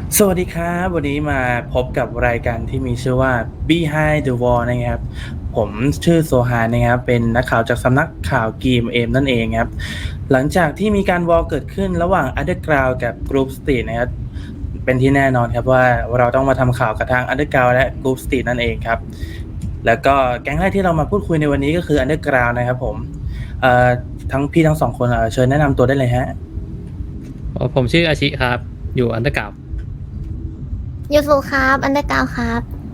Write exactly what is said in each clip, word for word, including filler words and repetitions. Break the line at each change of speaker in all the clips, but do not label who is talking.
สวัสดีครับวันนี้มาพบกับรายการที่มีชื่อว่า Behind the Wall นะครับผมชื่อโซฮานนะครับเป็นนักข่าวจากสำนักข่าว จี เอ็ม เอ็ม นั่นเองครับหลังจากที่มีการวอลเกิดขึ้นระหว่าง Underground กับ Group Street นะครับเป็นที่แน่นอนครับว่าเราต้องมาทำข่าวกับทาง Underground และ Group Street นั่นเองครับแล้วก็แก๊งแรกที่เรามาพูดคุยในวันนี้ก็คือ Underground นะครับผมเอ่อทั้งพี่ทั้งสองคนเอ่อเชิญแนะนำตัวได้เลยฮะ
อ๋อผมชื่ออาชิครับ อยู่อันเดอร์กราวด์
ยูซูครับอันเดอร์กราวครับ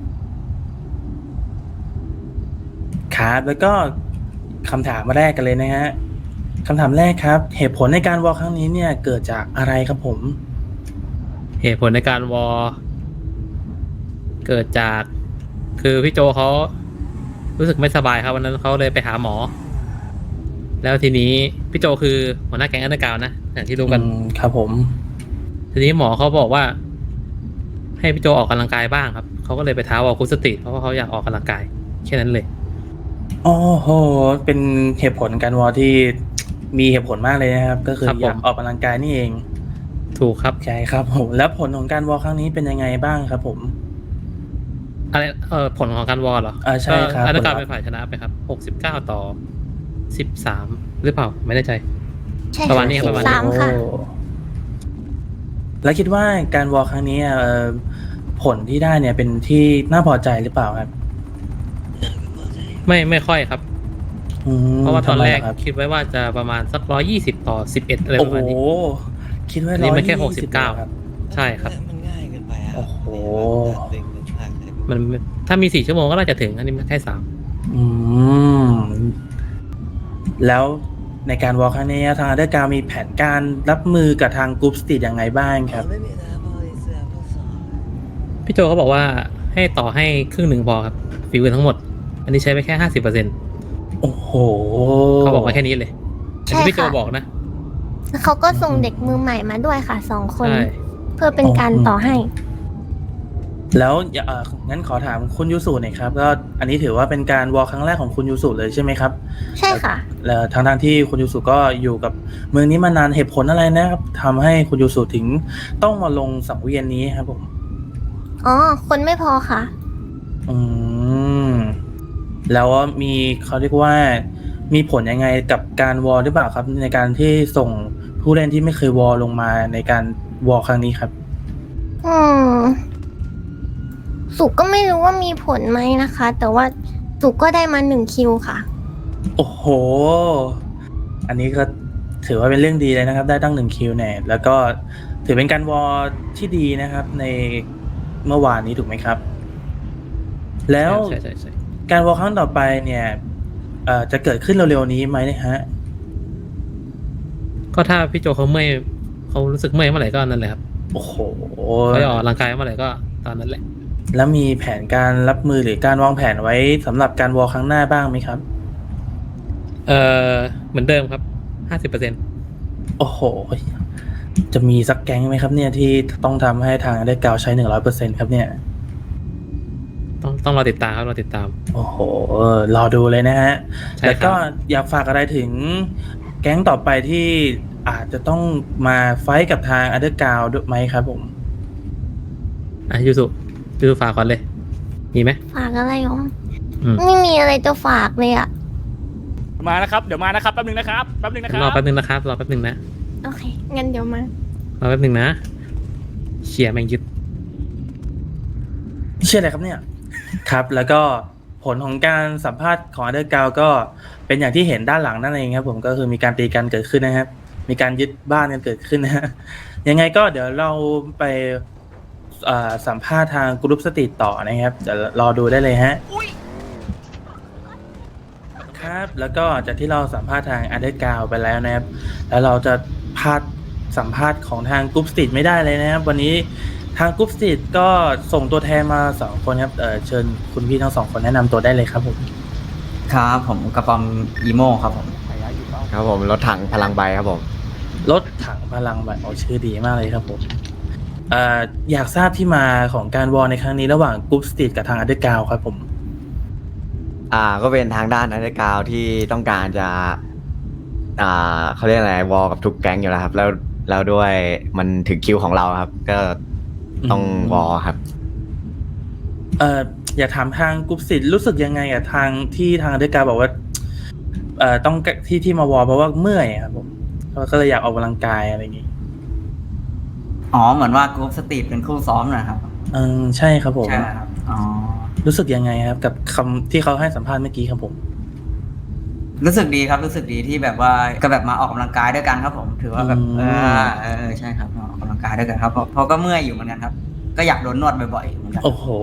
ครับแล้วก็คำถามแรกกันเลยนะฮะคำถามแรกครับเหตุผลในการวอลครั้งนี้เนี่ยเกิดจากอะไรครับผม
เหตุผลในการวอลเกิดจาก คือพี่โจเขารู้สึกไม่สบายครับวันนั้นเขาเลยไปหาหมอ แล้วทีนี้พี่โจคือหัวหน้าแก๊งอันเดอร์กราวด์นะอย่างที่รู้กัน
อืมครับผม
ทีนี้หมอเขาบอกว่า ให้พี่โจออกกำลังกายบ้างครับเขาก็เลยไปท้าวอลคุสติเพราะว่าเขาอยากออกกำลังกายแค่นั้นเลย
โอ้โหเป็นเหตุผลการวอลที่มีเหตุผลมากเลยนะครับก็คืออยากออกกำลังกายนี่เอง
ถูกครับ
ใช่ครับผมแล้วผลของการวอลครั้งนี้เป็นยังไงบ้างครับผม
อะไรเออผลของการวอลเหรอ
อ่าใช่ครับ
อันเดอร์กราวด์เป็นฝ่ายชนะไปครับหกสิบเก้าต่อสิบสามหรือเปล่าไม่แน่ใจ
ใช่
ประมาณนี้ครับประมาณนี้
สามค่ะ
แล้วคิดว่าการวอลครั้งนี้เอ่อผลที่ได้เนี่ยเป็นที่น่าพอใจหรือเปล่าครับ
ไม่ไม่ค่อยครับ
อืม
เพราะว่าตอนแรก
ทำไมล่ะครับ
คิดไว้ว่าจะประมาณสักร้อยยี่สิบต่อสิบเอ็ดอะไรป
โอ้
ระ
โห
มาณนี้
คิดว่า
อัน
ร้
นี้
อย
มันแค่
ยี่
หกสิ
สิ
บบ เก้า
ครับ
ใช่ครับ
มันง่ายเกินไปครับ
โอ้โห
มันถ้ามีสี่ชั่วโมงก็น่าจะถึง อันนี้มันแค่สาม
อืม แล้วในการวอลครั้งนี้ทางอันเดอร์กราวมีแผนการรับมือกับทางกรุ๊ปสตรีทยังไงบ้างครับ
ไม่มีนะพอเสื้อพอสอน
พี่โจเขาบอกว่าให้ต่อให้ครึ่งหนึ่งพอครับฝีมือทั้งหมด อันนี้ใช้ไปแค่ห้าสิบเปอร์เซ็นต์
โอ้โห
เขาบอกมาแค่นี้เลยอัน
ใช่
นี้พี่โจ
ค่ะ
บอกนะ
เขาก็ส่งเด็กมือใหม่มาด้วยค่ะสองคน
ใช่
เพื่อเป็นการต่อให้
แล้วเอ่องั้นขอถามคุณยูสุหน่อยครับก็อันนี้ถือว่าเป็นการวอลครั้งแรกของคุณยูสุเลยใช่ไหมครับ
ใช่ค่ะ
แล้วทางทางที่คุณยูสุก็อยู่กับเมืองนี้มานานเหตุผลอะไรนะครับทำให้คุณยูสุถึงต้องมาลงสังเวียนนี้ครับผม
อ๋อ คนไม่พอค่ะ
อืมแล้วมีเขาเรียกว่ามีผลยังไงกับการวอลหรือเปล่าครับ ในการที่ส่งผู้เล่นที่ไม่เคยวอลลงมาในการวอลครั้งนี้ครับ
อืม สุกก็ไม่รู้ว่ามีผลไหมนะคะ แต่ว่าสุกก็ได้มาหนึ่งคิวค่ะ
โอ้โห อันนี้ก็ถือว่าเป็นเรื่องดีเลยนะครับ ได้ตั้งหนึ่งคิวแน่แล้วก็ถือเป็นการวอลที่ดีนะครับ ในเมื่อวานนี้ถูกไหมครับ แล้ว
ใช่ใช่ใช่
การวอลครั้งต่อไปเนี่ยเอ่อจะเกิดขึ้นเร็วๆนี้ไหมนะฮะ
ก็ถ้าพี่โจเขาเมื่อยเขารู้สึกเมื่อยเมื่อไหร่ก็นั่นแหละครับ
โอ้โห
เขาจะออกกำลังกายเมื่อไหร่ก็ตอนนั้นแหละ
แล้วมีแผนการรับมือหรือการวางแผนไว้สำหรับการวอลครั้งหน้าบ้างไหมครับ
เออเหมือนเดิมครับห้าสิบเปอร์เซ็นต์
โอ้โห จะมีสักแก๊งไหมครับเนี่ยที่ต้องทำให้ทางได้กาวใช้หนึ่งร้อยเปอร์เซ็นต์ครับเนี่ย
ต้องต้องรอติดตามครับรอติดตาม
โอ้โห รอดูเลยนะฮะ
ใช่
แล้ว
ค
ก็
รับ
อยากฝากอะไรถึงแก๊งต่อไปที่อาจจะต้องมาไฟท์กับทางอันเดอร์กาวด้วยไหมครับผม
อ่ะยูสุยูสุฝากก่อนเลย มีไหม
ฝากอะไรอ๋อ
อืม
ไม่มีอะไรจะฝากเลยอะ
มานะครับ เดี๋ยวมานะครับ แป๊บนึงนะครับ แป๊บนึงนะครับ
รอแป๊บนึงนะครับรอแป๊บนึงนะ
โอเค งั้นเดี๋ยวมา
รอแป๊บนึงนะเชียร์แมงยึด
เชื่ออะไรครับเนี่ย ครับ แล้วก็ผลของการสัมภาษณ์ของอันเดอร์กาวก็เป็นอย่างที่เห็นด้านหลังนั่นเองครับผมก็คือมีการตีกันเกิดขึ้นนะครับ มีการยึดบ้านกันเกิดขึ้นนะฮะยังไงก็เดี๋ยวเราไปเอ่อสัมภาษณ์ทางกรุ๊ปสตรีทต่อนะครับเดี๋ยวรอดูได้เลยฮะครับ แล้วก็จากที่เราสัมภาษณ์ทางอันเดอร์กาวไปแล้วนะครับ แล้วเราจะพลาดสัมภาษณ์ของทางกรุ๊ปสตรีทไม่ได้เลยนะครับ วันนี้ทางกรุ๊ปสตรีทก็ส่งตัวแทนมาสองคนครับเอ่อเชิญคุณพี่ทั้งสองคนแนะนำตัวได้เลยครับผม
ครับผมกระปอมอีโมครับผมครับผมรถถังพลังใบครับผม
รถถังพลังแบบโอ้ชื่อดีมากเลยครับผมเอ่ออยากทราบที่มาของการวอลในครั้งนี้ระหว่างกรุ๊ปสตรีทกับทางอันเดอร์กาวครับผม
อ่าก็เป็นทางด้านอันเดอร์กราวด์ที่ต้องการจะอ่าเขาเรียกอะไรวอลกับทุกแก๊งอยู่แล้วครับ แล้วแล้วด้วยมันถึงคิวของเราครับ ก็ต้อง
อืม
วอลครับ
เอ่ออยากถามทางกรุ๊ปสิทธิ์รู้สึกยังไงอะทางที่ทางอันเดอร์การบอกว่าเอ่อต้องที่ที่มาวอลเพราะว่าเมื่อยอะครับผมก็เลยอยากออกกำลังกายอะไรอย่างงี้
อ๋อเหมือนว่ากรุ๊ปสตรีทเป็นคู่ซ้อมนะครับ
เออใช่ครับผม
ใช่ไหมครับอ๋อ
รู้สึกยังไงครับ กับคำที่เขาให้สัมภาษณ์เมื่อกี้ครับผม
รู้สึกดีครับรู้สึกดีที่แบบว่าก็แบบมาออกกำลังกายด้วยกันครับผม ถือว่าแบบ
อืม
เออเออใช่ครับมาออกกำลังกายด้วยกันครับเพราะเพราะก็เมื่อยอยู่เหมือนกันครับ ก็อยากโดนนวดบ่อยๆเหมือนกัน
โอ้โห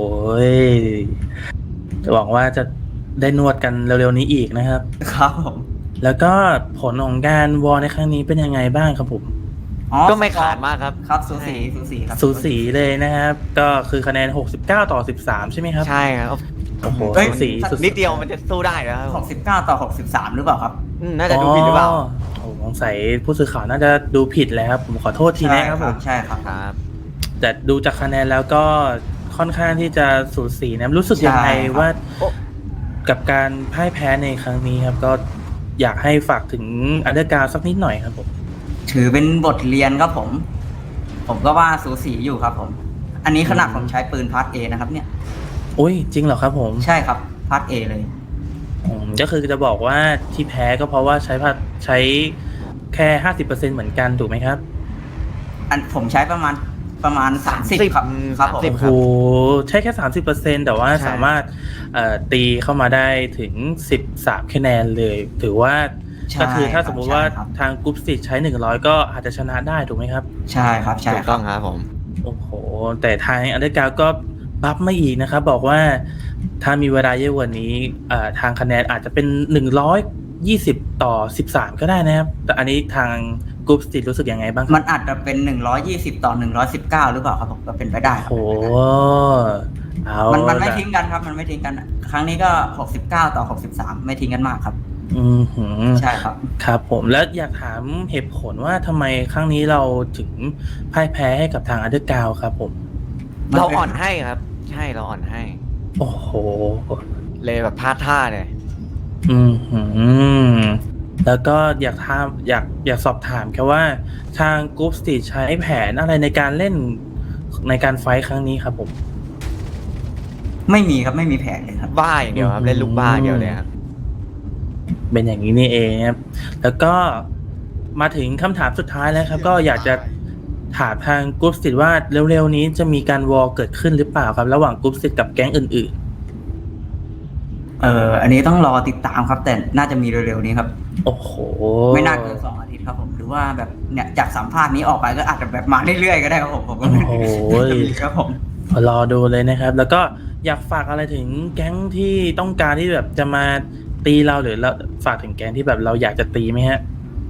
หวังว่าจะได้นวดกันเร็วๆนี้อีกนะครับ
ครับผม
แล้วก็ผลของการวอลในครั้งนี้เป็นยังไงบ้างครับผม
อ๋อ
ก็ไม่ขาดมากครับ
ครับสูสีสูสีครับ
สูสีเลยนะครับ ก็คือคะแนนหกสิบเก้าต่อสิบสามใช่ไหมครับ
ใช่ครับ
โอ้โห
เอ้ย
สูสีสุดๆ
นิดเดียวมันจะสู้ได้แล้วครับ
หกสิบเก้าต่อหกสิบสามหรือเปล่าครับ
อืมน่าจะดูผิดหรือเปล่า
โอ้สงสัยผู้สื่อข่าวน่าจะดูผิดแล้วครับ ผมขอโทษทีนะครับผม
ใช่ครับ
ครับ
แต่ดูจากคะแนนแล้วก็ค่อนข้างที่จะสูสีนะรู้สึกยังไง
ใช่ครับ
ว่า
โอ้
กับการพ่ายแพ้ในครั้งนี้ครับ ก็อยากให้ฝากถึงอันเดอร์การสักนิดหน่อยครับผม
ถือเป็นบทเรียนครับผม ผมก็ว่าสูสีอยู่ครับผม อันนี้ขนาดผมใช้ปืนพาร์ทเอนะครับเนี่ย
อุ้ยจริงเหรอครับผม
ใช่ครับพาร์ทเอเลย
อืมก็คือจะบอกว่าที่แพ้ก็เพราะว่าใช้พัดใช้แค่ห้าสิบเปอร์เซ็นเหมือนกันถูกไหมครับ
อันผมใช้ประมาณประมาณสามสิบครับ
อืม
ครับผม
สามสิบ
โอ้โหใช่แค่สามสิบเปอร์เซ็นแต่ว่า
ใช่
สามารถเอ่อตีเข้ามาได้ถึงสิบสามคะแนนเลย ถือว่า
ใช่
ก็คือถ้าสมมุติว่า
ใช่ครับ
ทางกรุ๊ปสิใช้หนึ่งร้อยก็อาจจะชนะได้ถูกไหมครับ
ใช่ครับใช่
ถูก
ค
ต้
รั
อบ งครับผม
โอ้โห แต่ทางอันเดอร์การก็บัฟมาอีกนะครับ บอกว่าถ้ามีเวลาเยอะกว่านี้เอ่อทางคะแนนอาจจะเป็นหนึ่งร้อยยี่สิบต่อสิบสามก็ได้นะครับ แต่อันนี้ทางกรุ๊ปสิรู้สึกยังไงบ้างค
มั
รับ
นอาจจะเป็นหนึ่งร้อยยี่สิบต่อหนึ่งร้อยสิบเก้าหรือเปล่าครับผมก็เป็นไปได้ครับ
โอ้โหเอา
มันมันไม่
ล่ะ
ทิ้งกันครับ มันไม่ทิ้งกัน ครั้งนี้ก็หกสิบเก้าต่อหกสิบสามไม่ทิ้งกันมากครับ
อืมหือ
ใช่ครับ
ครับผมแล้วอยากถามเหตุผลว่าทำไมครั้งนี้เราถึงพ่ายแพ้ให้กับทางอันเดอร์กาวครับผม
มันเป็น
เราอ่อนให้ครับ ใช่เราอ่อนให้
โอ้โห
เลยแบบพลาดท่าเนี่ย
อืมหือแล้วก็อยากถามอยากอยากสอบถามแค่ว่าทางกรุ๊ปสตีใช้แผนอะไรในการเล่นในการไฟท์ครั้งนี้ครับผม
ไม่มีครับไม่มีแผนเลยครับ
บ้าอย่างเดียวครับ เล่นลูกบ้าอย่างเดียวเลยครับ
เป็นอย่างนี้นี่เองครับ แล้วก็มาถึงคำถามสุดท้ายแล้วครับ ก็อยากจะถามทางกรุ๊ปสตีว่าเร็วๆนี้จะมีการวอลเกิดขึ้นหรือเปล่าครับ ระหว่างกรุ๊ปสตีกับแก๊งอื่น
เอออันนี้ต้องรอติดตามครับ แต่น่าจะมีเร็วๆนี้ครับ
ๆ โอ้โห
ไม่น่าเกินสองอาทิตย์ครับผม หรือว่าแบบเนี่ยจากสัมภาษณ์นี้ออกไปก็อาจจะแบบมาเรื่อยๆก็ได้ครับผมผมก็ไม่
โอ้โห
จะมีครับผม
รอดูเลยนะครับ แล้วก็อยากฝากอะไรถึงแก๊งที่ต้องการที่แบบจะมาตีเราหรือเราฝากถึงแก๊งที่แบบเราอยากจะตีไหมฮะ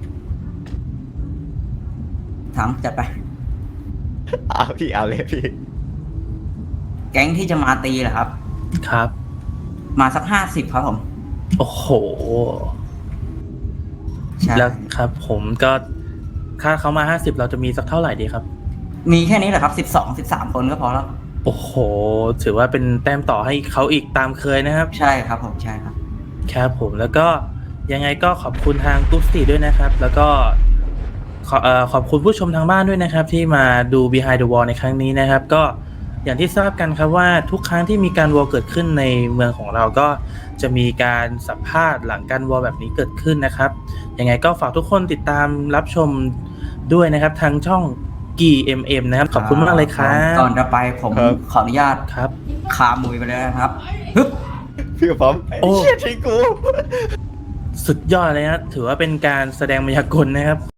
ถามจัดไป
เอาพี่เอาเลยพี่
แก๊งที่จะมาตีเหรอครับ
ครับ
มาสักห้าสิบครับผม
โอ้โห
ใช่
แล้วครับ ผมก็ถ้าเขามาห้าสิบเราจะมีสักเท่าไหร่ดีครับ
มีแค่นี้แหละครับสิบสองสิบสามคนก็พอแล้ว
โอ้โห ถือว่าเป็นแต้มต่อให้เขาอีกตามเคยนะครับ
ใช่ครับผมใช่ครับ
ครับผมแล้วก็ยังไงก็ขอบคุณทางกรุ๊ปสตีด้วยนะครับ แล้วก็ขอเอ่อขอบคุณผู้ชมทางบ้านด้วยนะครับ ที่มาดู Behind the Wall ในครั้งนี้นะครับ ก็อย่างที่ทราบกันครับว่าทุกครั้งที่มีการวอลเกิดขึ้นในเมืองของเราก็จะมีการสัมภาษณ์หลังการวอลแบบนี้เกิดขึ้นนะครับยังไงก็ฝากทุกคนติดตามรับชมด้วยนะครับทางช่อง กี เอ็ม เอ็ม นะครับขอบคุณมากเลยครับ
ก่อนจะไปผม
ครับ
ขออนุญาต
ครับ
คามุยไปเลยนะครับฮึบ
พี่กับผม
โอ้
ไอ้เชี่ยทิ้งกู
สุดยอดเลยนะถือว่าเป็นการแสดงมายากลนะครับ